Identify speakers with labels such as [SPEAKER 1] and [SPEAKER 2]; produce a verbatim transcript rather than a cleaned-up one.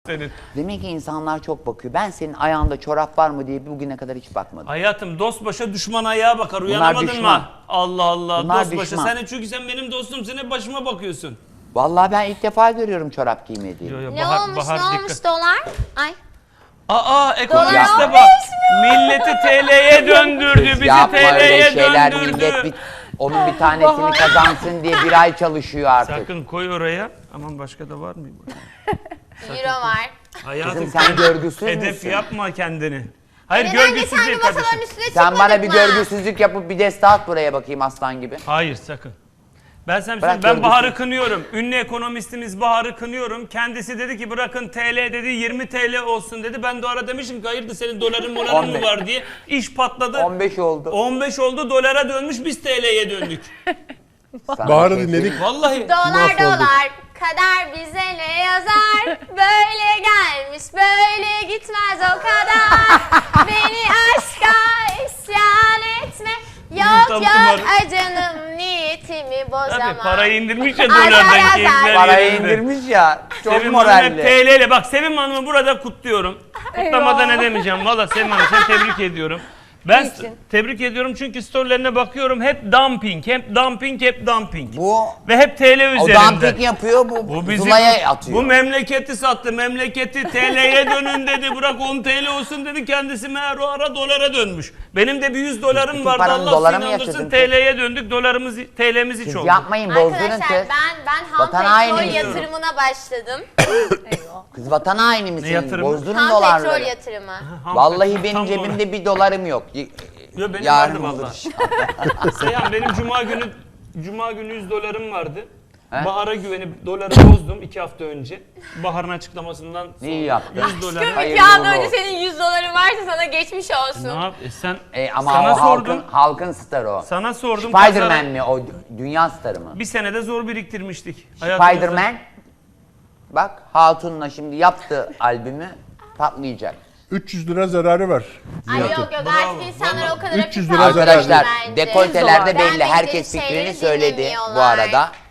[SPEAKER 1] senin.
[SPEAKER 2] Demek ki insanlar çok bakıyor. Ben senin ayağında çorap var mı diye bugüne kadar hiç bakmadım.
[SPEAKER 1] Hayatım dost başa düşman ayağa bakar. Uyanamadın
[SPEAKER 2] düşman.
[SPEAKER 1] mı? Allah Allah.
[SPEAKER 2] Bunlar
[SPEAKER 1] dost başa.
[SPEAKER 2] düşman.
[SPEAKER 1] Sen çünkü sen benim dostumsun. Hep başıma bakıyorsun.
[SPEAKER 2] Vallahi ben ilk defa görüyorum çorap giymediğini.
[SPEAKER 1] Yo, yo,
[SPEAKER 3] Ne
[SPEAKER 1] Bahar-
[SPEAKER 3] olmuş
[SPEAKER 1] Bahar
[SPEAKER 3] ne
[SPEAKER 1] dikkat.
[SPEAKER 3] olmuş dolar? Ay.
[SPEAKER 1] Aa ekonomiste
[SPEAKER 3] Dolar
[SPEAKER 1] bak. Milleti T L'ye döndürdü. Bizi
[SPEAKER 2] Yapma
[SPEAKER 1] T
[SPEAKER 2] öyle
[SPEAKER 1] L'ye
[SPEAKER 2] şeyler,
[SPEAKER 1] döndürdü.
[SPEAKER 2] millet bir, onun bir tanesini kazansın diye bir ay çalışıyor artık.
[SPEAKER 1] Sakın koy oraya. Aman başka da var mı?
[SPEAKER 3] Euro var.
[SPEAKER 1] Hayatım
[SPEAKER 2] Kızım sen görgüsüz
[SPEAKER 1] hedef
[SPEAKER 2] müsün?
[SPEAKER 1] yapma kendini. Hayır
[SPEAKER 3] Neden
[SPEAKER 1] görgüsüz
[SPEAKER 3] geçen
[SPEAKER 1] değil
[SPEAKER 3] gün masaların
[SPEAKER 1] kardeşim.
[SPEAKER 3] üstüne
[SPEAKER 2] Sen
[SPEAKER 3] çıkmadık
[SPEAKER 2] bana bir
[SPEAKER 3] mı?
[SPEAKER 2] görgüsüzlük yapıp bir deste at buraya bakayım aslan gibi.
[SPEAKER 1] Hayır sakın. Ben sana bir
[SPEAKER 2] Bırak
[SPEAKER 1] söyleyeyim, ben
[SPEAKER 2] görgüsüz.
[SPEAKER 1] Bahar'ı kınıyorum. Ünlü ekonomistimiz Bahar'ı kınıyorum. Kendisi dedi ki bırakın T L dedi yirmi T L olsun dedi. Ben de o ara demişim ki hayırdır senin doların moların
[SPEAKER 2] on
[SPEAKER 1] mı
[SPEAKER 2] beş.
[SPEAKER 1] var diye. İş patladı.
[SPEAKER 2] on beş oldu.
[SPEAKER 1] on beş oldu dolara dönmüş biz T L'ye döndük.
[SPEAKER 2] Sana
[SPEAKER 4] Bahar'ı
[SPEAKER 2] bir şey
[SPEAKER 4] dinledik.
[SPEAKER 1] Vallahi.
[SPEAKER 3] Dolar
[SPEAKER 4] Mahvolduk.
[SPEAKER 3] dolar kader bize ne yazar? Böyle gelmiş böyle gitmez o kadar. Beni aşka isyan etme. Yok
[SPEAKER 1] Tam
[SPEAKER 3] yok
[SPEAKER 1] kumarı.
[SPEAKER 3] ay canım niyetimi bozamam.
[SPEAKER 1] Tabii parayı indirmiş ya
[SPEAKER 3] Azar,
[SPEAKER 1] dolardan
[SPEAKER 3] azar.
[SPEAKER 1] keyifler
[SPEAKER 2] Parayı
[SPEAKER 1] yerinde.
[SPEAKER 2] indirmiş ya. Çok
[SPEAKER 1] Sevim Hanım hep
[SPEAKER 2] moralli.
[SPEAKER 1] T L ile. Bak Sevim Hanım'ı burada kutluyorum. Kutlamada ne demeyeceğim. Valla Sevim Hanım sen tebrik ediyorum. Ben
[SPEAKER 3] Niçin?
[SPEAKER 1] tebrik ediyorum çünkü storylerine bakıyorum hep dumping, hep dumping, hep dumping.
[SPEAKER 2] Bu
[SPEAKER 1] Ve hep T L
[SPEAKER 2] o
[SPEAKER 1] üzerinden.
[SPEAKER 2] dumping yapıyor, bu,
[SPEAKER 1] Bu bizi
[SPEAKER 2] Zula'ya atıyor.
[SPEAKER 1] bu memleketi sattı. Memleketi T L'ye dönün dedi. Bırak on T L olsun dedi. Kendisi meğer o ara dolara dönmüş. Benim de bir yüz dolarım
[SPEAKER 2] Bütün
[SPEAKER 1] vardı.
[SPEAKER 2] paranı
[SPEAKER 1] Allah
[SPEAKER 2] dolara
[SPEAKER 1] seni
[SPEAKER 2] mı
[SPEAKER 1] inandırsın
[SPEAKER 2] yatırdın?
[SPEAKER 1] T L'ye döndük. Dolarımız T L'miz hiç
[SPEAKER 2] Siz
[SPEAKER 1] oldu.
[SPEAKER 2] yapmayın, bozdurun
[SPEAKER 3] Arkadaşlar
[SPEAKER 2] kız.
[SPEAKER 3] ben ben ham
[SPEAKER 2] Vatan
[SPEAKER 3] petrol
[SPEAKER 2] haini
[SPEAKER 3] yatırımına başladım.
[SPEAKER 2] Kız vatan haini misin?
[SPEAKER 1] yatırımı?
[SPEAKER 2] Bozdurun
[SPEAKER 3] Ham
[SPEAKER 2] dolarları.
[SPEAKER 3] petrol yatırımı.
[SPEAKER 1] Ham
[SPEAKER 2] Vallahi
[SPEAKER 1] petrol,
[SPEAKER 2] benim
[SPEAKER 1] tam
[SPEAKER 2] cebimde bir dolarım yok. Y-
[SPEAKER 1] Yo, benim
[SPEAKER 2] Yarın
[SPEAKER 1] vardı
[SPEAKER 2] olur
[SPEAKER 1] vallahi.
[SPEAKER 2] inşallah.
[SPEAKER 1] Seyhan benim cuma günü cuma günü yüz dolarım vardı.
[SPEAKER 2] He?
[SPEAKER 1] Bahar'a güvenip doları bozdum iki hafta önce. Bahar'ın açıklamasından sonra
[SPEAKER 2] İyi yaptın.
[SPEAKER 1] yüz dolar.
[SPEAKER 3] Aşkım
[SPEAKER 2] Hayırlı
[SPEAKER 3] iki hafta
[SPEAKER 2] uğurlu
[SPEAKER 3] önce
[SPEAKER 2] olsun.
[SPEAKER 3] senin yüz doların varsa sana geçmiş olsun.
[SPEAKER 1] Ne yap? E sen
[SPEAKER 2] E, ama
[SPEAKER 1] sana
[SPEAKER 2] o halkın,
[SPEAKER 1] sordum.
[SPEAKER 2] halkın starı o.
[SPEAKER 1] Sana sordum.
[SPEAKER 2] Spiderman
[SPEAKER 1] pazara-
[SPEAKER 2] mi o, dünya starı mı?
[SPEAKER 1] Bir senede zor biriktirmiştik. Hayatımızda.
[SPEAKER 2] Spiderman. Bak Hatun'la şimdi yaptığı albümü patlayacak.
[SPEAKER 4] üç yüz lira zararı var.
[SPEAKER 3] Ay
[SPEAKER 4] Nihat'ın.
[SPEAKER 3] yok yok
[SPEAKER 1] Bravo,
[SPEAKER 3] artık insanlar
[SPEAKER 1] vallahi.
[SPEAKER 3] o kadar
[SPEAKER 4] üç yüz
[SPEAKER 3] hafif
[SPEAKER 4] lira zarar
[SPEAKER 2] Arkadaşlar
[SPEAKER 3] bence.
[SPEAKER 2] dekoltelerde belli.
[SPEAKER 3] Beğenmedikleri
[SPEAKER 2] Herkes
[SPEAKER 3] şeyleri
[SPEAKER 2] fikrini söyledi bu
[SPEAKER 3] dinlemiyorlar.
[SPEAKER 2] arada.